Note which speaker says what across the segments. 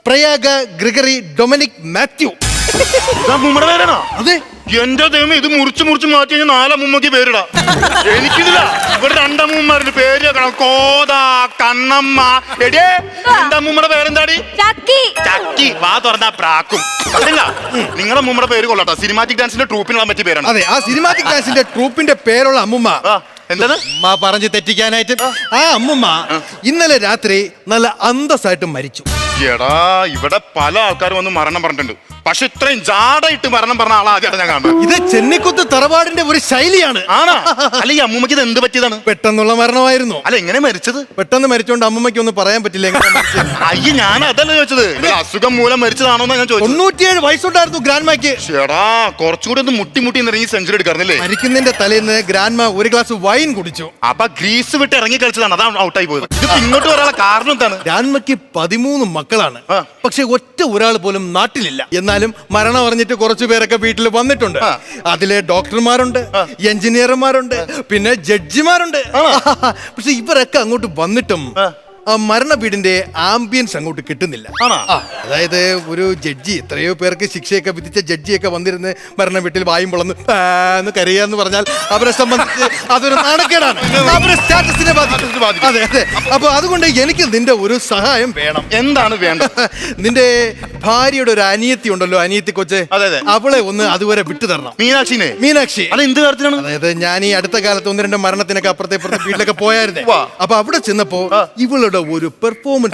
Speaker 1: Prayaga Gregory Dominic Mathew.
Speaker 2: അമ്മൂമ്മയുടെ പേരാണോ?
Speaker 1: അതെ.
Speaker 2: എന്റെ ദൈവം, ഇത് മുറിച്ച് മാറ്റി കഴിഞ്ഞാൽ 4 അമ്മൂമ്മക്ക് പേരിടാം. എനിക്കിതില്ല. ഇവിടെ 2 അമ്മൂമ്മമാരുടെ പേര് വെക്കണം. കോത, കണ്ണമ്മ. എടിയേ, എന്റെ അമ്മൂമ്മയുടെ പേരെന്താടി? ചക്കി. വാ തുറന്നാ പ്രാക്കും. അതല്ല, നിങ്ങളുടെ അമ്മൂമ്മയുടെ പേര് കൊള്ളട്ടോ. സിനിമാറ്റിക് ഡാൻസിന്റെ ട്രൂപ്പിനുള്ള പറ്റിയ പേരാണ്.
Speaker 1: അതെ, ആ സിനിമാറ്റിക് ഡാൻസിന്റെ ട്രൂപ്പിന്റെ പേരുള്ള അമ്മുമ്മ.
Speaker 2: എന്താണ്
Speaker 1: പറഞ്ഞു തെറ്റിക്കാനായിട്ട്? ആ അമ്മുമ്മ ഇന്നലെ രാത്രി നല്ല അന്തസ്സായിട്ട് മരിച്ചു.
Speaker 2: എടാ, ഇവിടെ പല ആൾക്കാരും വന്ന് മരണം പറഞ്ഞിട്ടുണ്ട്. പക്ഷെ ഇത്രയും ജാടായിട്ട് മരണം പറഞ്ഞ ആളാ ആദ്യമായിട്ട് ഞാൻ കാണുന്നത്.
Speaker 1: ഇത് ചെന്നിക്കുത്ത് തറവാടിന്റെ ഒരു ശൈലിയാണ്.
Speaker 2: ആണോ? അല്ല, ഈ അമ്മൂമ്മക്ക് ഇത് എന്ത് പറ്റിയതാണ്?
Speaker 1: പെട്ടെന്നുള്ള മരണമായിരുന്നു.
Speaker 2: അല്ല, എങ്ങനെ മരിച്ചത്?
Speaker 1: പെട്ടെന്ന് മരിച്ചോണ്ട് അമ്മൂമ്മയ്ക്ക് ഒന്നും പറയാൻ പറ്റില്ല.
Speaker 2: അയ്യ, ഞാൻ അതല്ല ചോദിച്ചത്. അസുഖം മൂലം മരിച്ചതാണോ ഞാൻ ചോദിച്ചത്.
Speaker 1: 97 വയസ്സുണ്ടായിരുന്നു ഗ്രാൻഡ്മയ്ക്ക്.
Speaker 2: ചേടാ, കുറച്ചുകൂടി ഒന്ന് മുട്ടി ഇറങ്ങി സെഞ്ചുറി എടുക്കാറില്ലേ?
Speaker 1: മരിക്കുന്നതിന്റെ തലേന്ന് ഗ്രാൻഡ്മ ഒരു ഗ്ലാസ് വൈൻ കുടിച്ചു.
Speaker 2: അപ്പൊ ഗ്രീസ് വിട്ട് ഇറങ്ങി കളിച്ചതാണ്, അതാണ് ഔട്ടായി പോയത്. ഇത് ഇങ്ങോട്ട് വരാനുള്ള കാരണം എന്താണ്?
Speaker 1: ഗ്രാൻഡ്മയ്ക്ക് 13 മക്കളാണ്. പക്ഷെ ഒരാൾ പോലും നാട്ടിലില്ല. എന്നാലും മരണം അറിഞ്ഞിട്ട് കുറച്ചു പേരൊക്കെ വീട്ടിൽ വന്നിട്ടുണ്ട്. അതിലെ ഡോക്ടർമാരുണ്ട്, എഞ്ചിനീയർമാരുണ്ട്, പിന്നെ ജഡ്ജിമാരുണ്ട്. പക്ഷെ ഇവരൊക്കെ അങ്ങോട്ട് വന്നിട്ടും ആ മരണ വീടിന്റെ ആംബിയൻസ് അങ്ങോട്ട് കിട്ടുന്നില്ല. അതായത് ഒരു ജഡ്ജി, എത്രയോ പേർക്ക് ശിക്ഷയൊക്കെ വിധിച്ച ജഡ്ജിയൊക്കെ വന്നിരുന്ന് മരണ വീട്ടിൽ വായും പൊളന്ന് കരയാന്ന് പറഞ്ഞാൽ അവരെ സംബന്ധിച്ച് അതൊരു നാണക്കേടാണ്. അവരുടെ സ്റ്റാറ്റസിനെ ബാധിക്കും. അതെ അതെ. അപ്പൊ അതുകൊണ്ട് എനിക്ക് നിന്റെ ഒരു സഹായം വേണം.
Speaker 2: എന്താണ് വേണ്ടത്?
Speaker 1: നിന്റെ ഭാര്യയുടെ ഒരു അനിയത്തി ഉണ്ടല്ലോ, അനിയത്തി കൊച്ചെ, അവളെ ഒന്ന് അതുവരെ വിട്ടു തരണം. മീനാക്ഷി.
Speaker 2: അത് എന്ത് കാര്യത്തിലാണ്?
Speaker 1: അതായത് ഞാൻ ഈ അടുത്ത കാലത്ത് 1-2 മരണത്തിനൊക്കെ അപ്പുറത്തെ വീട്ടിലൊക്കെ പോയായിരുന്നേ. അപ്പൊ അവിടെ ചെന്നപ്പോ ഇവളുടെ ഒരു പെർഫോമൻസ്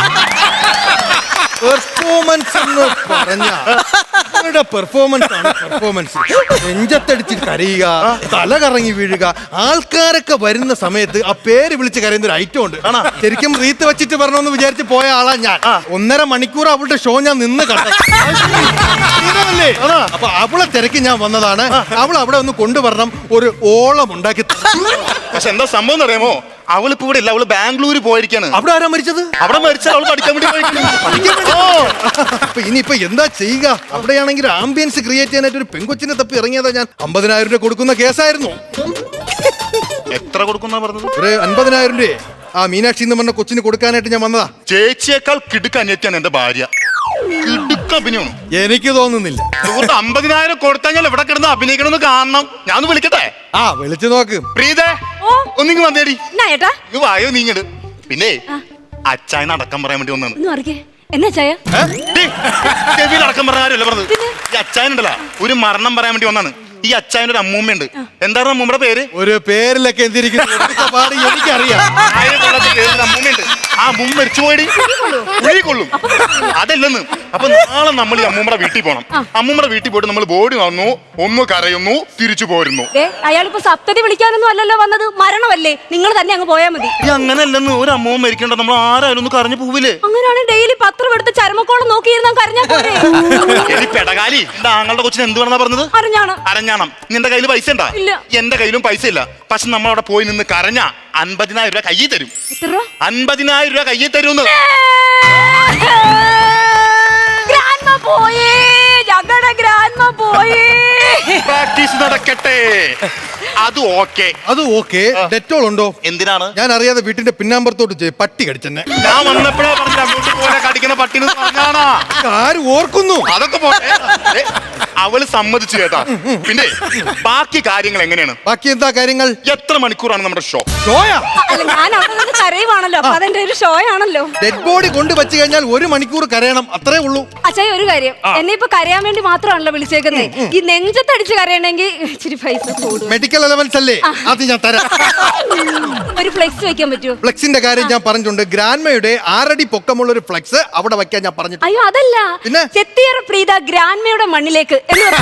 Speaker 1: എന്ന് പറഞ്ഞ പെർഫോമൻസ് നെഞ്ചത്തടിച്ച് കരയുക, തല കറങ്ങി വീഴുക. ആൾക്കാരൊക്കെ വരുന്ന സമയത്ത് ആ പേര് വിളിച്ച് കരയുന്ന ഒരു ഐറ്റം ഉണ്ട്. ശരിക്കും റീത്ത് വെച്ചിട്ട് വരണമെന്ന് വിചാരിച്ച് പോയ ആളാ ഞാൻ. 1.5 മണിക്കൂർ അവളുടെ ഷോ ഞാൻ നിന്ന് കണ്ടേ. അപ്പൊ അവളെ തിരക്കി ഞാൻ വന്നതാണ്. അവൾ അവിടെ ഒന്ന് കൊണ്ടുവരണം, ഒരു ഓളം ഉണ്ടാക്കി.
Speaker 2: പക്ഷെ എന്താ സംഭവം അറിയാമോ? അവളിപ്പോ ഇവിടെ ഇല്ല, അവള് ബാംഗ്ലൂര് പോയിരിക്കാണ്.
Speaker 1: അവിടെ ആരാ മരിച്ചത്?
Speaker 2: അവിടെ മരിച്ചാൽ അവള് പഠിക്കാൻ വേണ്ടി
Speaker 1: അപ്പൊ ഇനിയിപ്പൊ എന്താ ചെയ്യുക? അവിടെയാണെങ്കിൽ ആംബിയൻസ് ക്രിയേറ്റ് ചെയ്യാനായിട്ട് ഒരു പെൺകൊച്ചിനെ തപ്പി ഇറങ്ങിയതാ ഞാൻ. 50,000 രൂപ കൊടുക്കുന്ന കേസായിരുന്നു.
Speaker 2: എത്ര കൊടുക്കുന്ന പറഞ്ഞത്?
Speaker 1: ഒരു 50,000 രൂപ ആ മീനാക്ഷി എന്ന് പറഞ്ഞ കൊച്ചിന് കൊടുക്കാനായിട്ട് ഞാൻ വന്നതാ.
Speaker 2: ചേച്ചിയേക്കാൾ കിടുക്ക അനിയത്തിയാണ് എന്റെ ഭാര്യ. കിടുക്ക അഭിനയം
Speaker 1: എനിക്ക് തോന്നുന്നില്ല.
Speaker 2: 50,000 കൊടുത്താൽ ഞാൻ ഇവിടെ കിടന്ന് അഭിനയിക്കണമെന്ന് കാണണം. ഞാൻ വിളിക്കട്ടെ?
Speaker 1: വിളിച്ചു നോക്ക്.
Speaker 2: പ്രീതേ, ഒന്നിങ്ങ് വന്നേടി. വായോ നീങ്ങട്. പിന്നെ അച്ചായനെ അടക്കം പറയാൻ വേണ്ടി വന്നാണ്. ചെവിയിൽ അടക്കം പറഞ്ഞ കാര്യമല്ല പറഞ്ഞത്. ഈ അച്ചായനുണ്ടല്ലോ, ഒരു മരണം പറയാൻ വേണ്ടി വന്നാണ്. ഈ അച്ചായനൊരു അമ്മൂമ്മയുണ്ട്. എന്താണ് അമ്മൂമ്മയുടെ പേര്?
Speaker 1: ഒരു പേരിലൊക്കെ എനിക്കറിയാം.
Speaker 2: അമ്മൂമ്മയുണ്ട്. ആ അമ്മൂമ്മ മരിച്ചു പോയി കൊള്ളും. അതല്ലെന്ന്. അപ്പൊ നാളെ നമ്മൾ ഈ അമ്മൂമ്മയുടെ വീട്ടിൽ പോകണം. അമ്മൂമ്മയുടെ വീട്ടിൽ പോയിട്ട് നമ്മൾ ബോഡി വന്നു, ഒന്ന് കരയുന്നു, തിരിച്ചു പോരുന്നു.
Speaker 3: അയാളിപ്പോ സപ്തതി വിളിക്കാനൊന്നും അല്ലല്ലോ വന്നത്, മരണമല്ലേ? നിങ്ങൾ തന്നെ അങ്ങ് പോയാൽ മതി.
Speaker 2: അങ്ങനെയല്ലെന്ന്. ഒരു അമ്മൂമ്മ മരിക്കണ്ട, നമ്മൾ ആരായാലും ഒന്ന് കരഞ്ഞു പോവില്ലേ?
Speaker 3: അങ്ങനെയാണ് ഡെയിലി പത്രം എടുത്ത് ചരമക്കോളം നോക്കിയിരുന്ന കരഞ്ഞാ പോരെ?
Speaker 2: പെടകാലി, എന്റെ ആങ്ങളുടെ കൊച്ചിന് എന്ത് വേണമെന്നാ പറഞ്ഞത്? അരഞ്ഞാണം. നിന്റെ കയ്യിൽ പൈസ ഉണ്ടാ? എന്റെ കയ്യിലും പൈസ ഇല്ല. പക്ഷെ നമ്മളവിടെ പോയി നിന്ന് കരഞ്ഞ 50,000 രൂപ കയ്യിൽ തരും. 50,000 രൂപ കയ്യിൽ തരുമെന്ന്. പ്രാക്ടീസ് നടക്കട്ടെ. അത് ഓക്കെ. ഡെറ്റോൾ ഉണ്ടോ? എന്തിനാണ്?
Speaker 1: ഞാൻ അറിയാതെ വീട്ടിന്റെ പിന്നാമ്പുറത്തോട്ട് പട്ടി കടിച്ചെന്നെ.
Speaker 2: ഞാൻ വന്നപ്പോഴാ പറഞ്ഞ അങ്ങോട്ട് പോലെ കടിക്കുന്ന പട്ടിന് പറഞ്ഞാണോ?
Speaker 1: ആര് ഓർക്കുന്നു?
Speaker 2: അതൊക്കെ പോട്ടെ. അവള് സമ്മതിച്ചു കേട്ടാ. പിന്നെ ബാക്കി കാര്യങ്ങൾ എങ്ങനെയാണ്?
Speaker 1: ബാക്കി എന്താ കാര്യങ്ങൾ?
Speaker 2: എത്ര മണിക്കൂറാണ് നമ്മുടെ ഷോ?
Speaker 3: ആണല്ലോ.
Speaker 1: ഡെഡ് ബോഡി കൊണ്ടുവച്ചു കഴിഞ്ഞാൽ 1 മണിക്കൂർ കരയണം, അത്രേ ഉള്ളൂ.
Speaker 3: അച്ഛാ, ഒരു കാര്യം, എന്നെ ഇപ്പൊ കരയാൻ വേണ്ടി മാത്രമാണല്ലോ വിളിച്ചേക്കുന്നത്. ഈ നെഞ്ചത്തടിച്ച് കരയണമെങ്കിൽ ഇച്ചിരി പൈസ കൂടും.
Speaker 1: മെഡിക്കൽ അലവൻസ് അല്ലേ? അത് ഞാൻ തരാം.
Speaker 3: ഒരു ഫ്ലെക്സ് വെക്കാൻ പറ്റുമോ?
Speaker 1: ഫ്ലെക്സിന്റെ കാര്യം ഞാൻ പറഞ്ഞിട്ടുണ്ട്. ഗ്രാൻഡ്മയുടെ 6 അടി പൊക്കമുള്ള ഒരു ഫ്ലെക്സ് അവിടെ വെക്കാൻ ഞാൻ പറഞ്ഞിട്ടുണ്ട്.
Speaker 3: അയ്യോ, അതല്ല, ചെത്തിയറ പ്രീത ഗ്രാൻഡ്മയുടെ മണ്ണിലേക്ക്.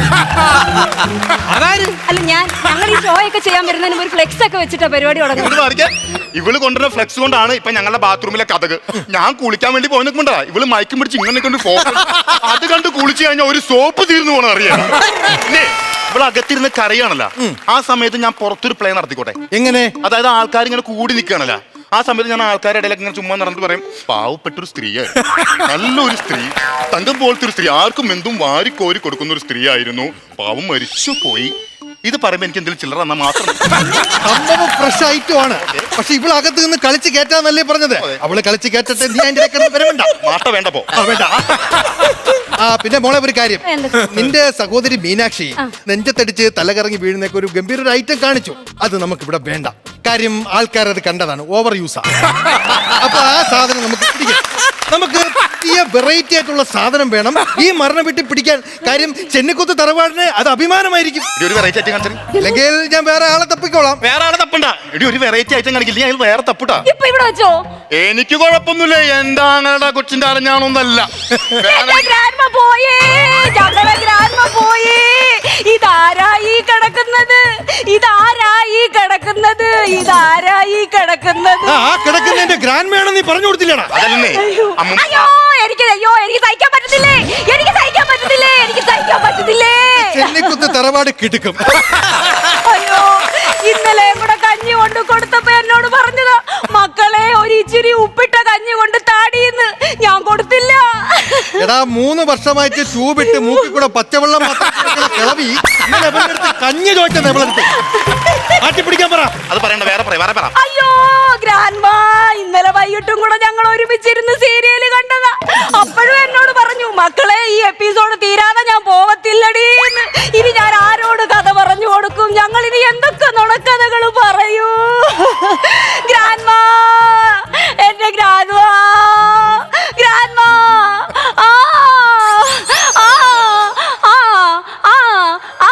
Speaker 3: അല്ല, ഞങ്ങൾ ഈ ഷോ ഒക്കെ ചെയ്യാൻ വരുന്നതിന് ഒരു ഫ്ലെക്സ് ഒക്കെ വെച്ചിട്ടാ പരിപാടി തുടങ്ങുന്നത്.
Speaker 2: ഇവള് കൊണ്ടുവരുന്ന ഫ്ലെക്സ് കൊണ്ടാണ് ഇപ്പൊ ഞങ്ങളുടെ ബാത്റൂമിലെ കഥക്. ഞാൻ കുളിക്കാൻ വേണ്ടി പോയി നിൽക്കുമ്പോണ്ടാ ഇവള് മയക്കും പിടിച്ച് ഇങ്ങനെ കൊണ്ട് അത് കണ്ട് കുളിച്ചു കഴിഞ്ഞാൽ ഒരു സോപ്പ് തീർന്നു പോകണം അറിയാം. ഇവിടെ അകത്തിരുന്ന് കരയാണല്ലോ. ആ സമയത്ത് ഞാൻ പുറത്തൊരു പ്ലേ നടത്തിക്കോട്ടെ? എങ്ങനെ? അതായത് ആൾക്കാർ ഇങ്ങനെ കൂടി നിൽക്കുകയാണല്ലോ. ആ സമയത്ത് ഞാൻ ആൾക്കാരുടെ ഇടയിലൊക്കെ ഇങ്ങനെ ചുമ്മാ നടന്നിട്ട് പറയും, പാവപ്പെട്ടൊരു സ്ത്രീയായി, നല്ലൊരു സ്ത്രീ, തങ്കം പോലത്തെ ഒരു സ്ത്രീ, ആർക്കും എന്തും വാരിക്കോരി കൊടുക്കുന്ന ഒരു സ്ത്രീ ആയിരുന്നു, പാവം മരിച്ചു പോയി ഇത് പറയുമ്പോ എനിക്ക് എന്തെങ്കിലും ചില്ലറ തന്നാ മാത്രം
Speaker 1: സംഭവം ഫ്രഷ് ഐറ്റം ആണ്. പക്ഷെ ഇവള് അകത്ത് നിന്ന് കളിച്ച് കയറ്റാന്നല്ലേ പറഞ്ഞത്. അവള് കളിച്ച് കയറ്റട്ടെ, നീ അതിന്റെ ഇടയ്ക്ക് വരവേണ്ട.
Speaker 2: മാട്ട വേണ്ട പോ.
Speaker 1: വേണ്ട. പിന്നെ മോളെ ഒരു കാര്യം,
Speaker 3: എന്താ?
Speaker 1: നിന്റെ സഹോദരി മീനാക്ഷി നെഞ്ചത്തടിച്ച് തലകറങ്ങി വീഴുന്നൊക്കെ ഒരു ഗംഭീര ഒരു ഐറ്റം കാണിച്ചു. അത് നമുക്ക് ഇവിടെ വേണ്ട. കാര്യം ആൾക്കാർ അത് കണ്ടതാണ്, ഓവർ യൂസാ. അപ്പൊ ആ സാധനം നമുക്ക് പിടിക്കാം. നമുക്ക് പുതിയ വെറൈറ്റി ആയിട്ടുള്ള സാധനം വേണം ഈ മരണം വിട്ട് പിടിക്കാൻ. കാര്യം ചെന്നിക്കുത്ത് തറവാടിന് അത് അഭിമാനമായിരിക്കും.
Speaker 2: ഒരു വെറൈറ്റി ഐറ്റം കാണിച്ചു.
Speaker 1: അല്ലെങ്കിൽ ഞാൻ വേറെ ആളെ തപ്പിക്കോളാം.
Speaker 2: വേറെ ആളെ തപ്പണ്ട. എടി ഒരു വെറൈറ്റി ഐറ്റം കാണിക്കില്ല, ഞാൻ വേറെ തപ്പുട്ടാ.
Speaker 3: ഇപ്പൊ ഇവിടെ വെച്ചോ?
Speaker 2: എനിക്ക് കുഴപ്പമൊന്നുമില്ല. എന്റെ ആങ്ങളുടെ കൊച്ചിന്റെ അരഞ്ഞാണൊന്നല്ല.
Speaker 3: പോയേ, ഞങ്ങളുടെ ഗ്രാൻഡ്മ പോയേ. ഇതാരായി കിടക്കുന്നത്? ഇതാരായി കിടക്കുന്നത്? ഇതാരായി കിടക്കുന്നത്?
Speaker 1: കിടക്കുന്നതിന്റെ ഗ്രാൻഡ് വേണം നീ പറഞ്ഞു കൊടുത്തില്ലടാ.
Speaker 2: അതല്ലേ
Speaker 3: അയ്യോ എനിക്ക് സഹിക്കാൻ പറ്റത്തില്ലേ, എനിക്ക് സഹിക്കാൻ പറ്റത്തില്ലേ, എനിക്ക് സഹിക്കാൻ പറ്റത്തില്ലേ.
Speaker 1: ചെന്നിക്കുത്ത് തറവാട് കിടക്കും.
Speaker 3: അയ്യോ ഇന്നലെ കൂടെ കഞ്ഞി കൊണ്ട് കൊടുത്തപ്പോ എന്നോട് പറഞ്ഞതാ, മക്കളെ ഒരു ഇച്ചിരി ഉപ്പിട്ട കഞ്ഞി കൊണ്ട് താടിയെന്ന്. ഞാൻ കൊടുത്തില്ല.
Speaker 1: എടാ 3 വർഷമായിട്ട് ട്യൂബിട്ട് മൂക്കിൽ കൂടെ പച്ചവെള്ളം കിളവി കഞ്ഞി ചോദിച്ചത് എവളെടുത്ത് ആട്ടിപ്പിടിക്കാൻ പറ.
Speaker 2: അത് പറയണ്ട, വേറെ പറ.
Speaker 3: അയ്യോ ഗ്രാൻഡ്മ, ഇന്നലെ വൈകിട്ടും കൂടെ ഞങ്ങൾ ഒരുമിച്ചിരുന്ന് സീരിയല് കണ്ടതാ. അപ്പോഴും എന്നോട് പറഞ്ഞു, മക്കളെ ഈ എപ്പിസോഡ് തീരാതെ ഞാൻ പോവത്തില്ലടി. ഇനി ഞാൻ ആരോട് കഥ പറഞ്ഞു കൊടുക്കും? ഞങ്ങൾ ഇനി എന്തൊക്കെ നുണക്കഥകൾ പറയൂ? ഗ്രാൻഡ്മ, എന്റെ ഗ്രാൻഡ്മ, ഗ്രാൻഡ്മ. ആ ആ ആ ആ ആ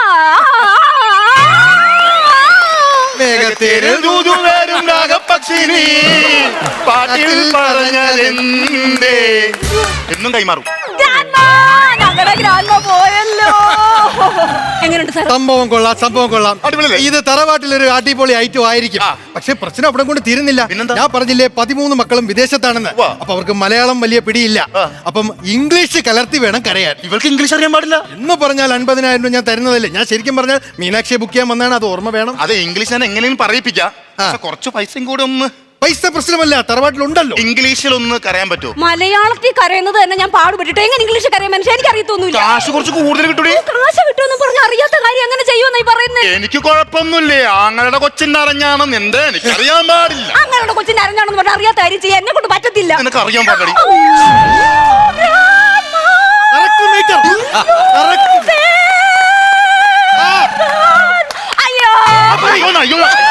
Speaker 1: വേഗത്തേരിൽ
Speaker 2: ദൂതുവരും നാഗപക്ഷിനി പാട്ടിൽ പറഞ്ഞതെന്തേ എന്നും കൈമാറും.
Speaker 3: ഞങ്ങളുടെ ഗ്രാൻഡ്മ പോയല്ലോ. എങ്ങനെയുണ്ട് സാർ?
Speaker 1: സംഭവം കൊള്ളാം.
Speaker 2: അടിപൊളിയല്ലേ?
Speaker 1: ഇത് തറവാട്ടിലൊരു അടിപൊളി ഐറ്റം ആയിരിക്കും. പക്ഷെ പ്രശ്നം അവിടെ കൊണ്ട് തീരുന്നില്ല.
Speaker 2: പിന്നെന്താ?
Speaker 1: ഞാൻ പറഞ്ഞില്ലേ 13 മക്കളും വിദേശത്താണെന്ന്. അപ്പൊ അവർക്ക് മലയാളം വലിയ പിടിയില്ല. അപ്പം ഇംഗ്ലീഷ് കലർത്തി വേണം കരയാൻ.
Speaker 2: ഇവൾക്ക് ഇംഗ്ലീഷ് അറിയാൻ പാടില്ല
Speaker 1: എന്ന് പറഞ്ഞാൽ 50,000 രൂപ ഞാൻ തരുന്നതല്ലേ. ഞാൻ ശരിക്കും പറഞ്ഞാൽ മീനാക്ഷിയെ ബുക്ക് ചെയ്യാൻ വന്നാണ്, അത് ഓർമ്മ വേണം.
Speaker 2: അത് ഇംഗ്ലീഷ് ഞാൻ എങ്ങനെയും പറയിപ്പിക്കാം. പക്ഷെ കുറച്ച് പൈസയും കൂടെ ഒന്ന്.
Speaker 1: പൈസ പ്രശ്നമല്ല, തറവാട്ടിലുണ്ടല്ലോ.
Speaker 2: ഇംഗ്ലീഷിൽ ഒന്ന് കരയാൻ പറ്റുമോ?
Speaker 3: മലയാളത്തിൽ കരയുന്നത് തന്നെ ഞാൻ പാടുപെട്ടിട്ട് എങ്ങനെ ഇംഗ്ലീഷ് കരയാൻ മനുഷ്യ എനിക്ക് അറിയത്തൊന്നുമില്ല.
Speaker 2: കാശ് കുറച്ച് കൂടുതൽ കിട്ടൂടി.
Speaker 3: കാശ് കിട്ടുമെന്ന് പറഞ്ഞ അറിയാത്ത കാര്യം എങ്ങനെ ചെയ്യുമെന്നായി പറയുന്നത്?
Speaker 2: എനിക്ക് കുഴപ്പമൊന്നുമില്ലേ, ആങ്ങളുടെ കൊച്ചിന്റെ അറിഞ്ഞാണെന്ന് എന്താ എനിക്കറിയാൻ പാടില്ല.
Speaker 3: അങ്ങനെ കൊച്ചിന്റെ അറിഞ്ഞാണെന്ന് പറഞ്ഞാൽ അറിയാത്ത കാര്യം ചെയ്യാൻ എന്നെ കൊണ്ട് പറ്റത്തില്ല.
Speaker 2: നിനക്ക് അറിയാൻ പാടില്ല.
Speaker 1: Correct meter. Correct.
Speaker 3: അയ്യോ
Speaker 2: അയ്യോ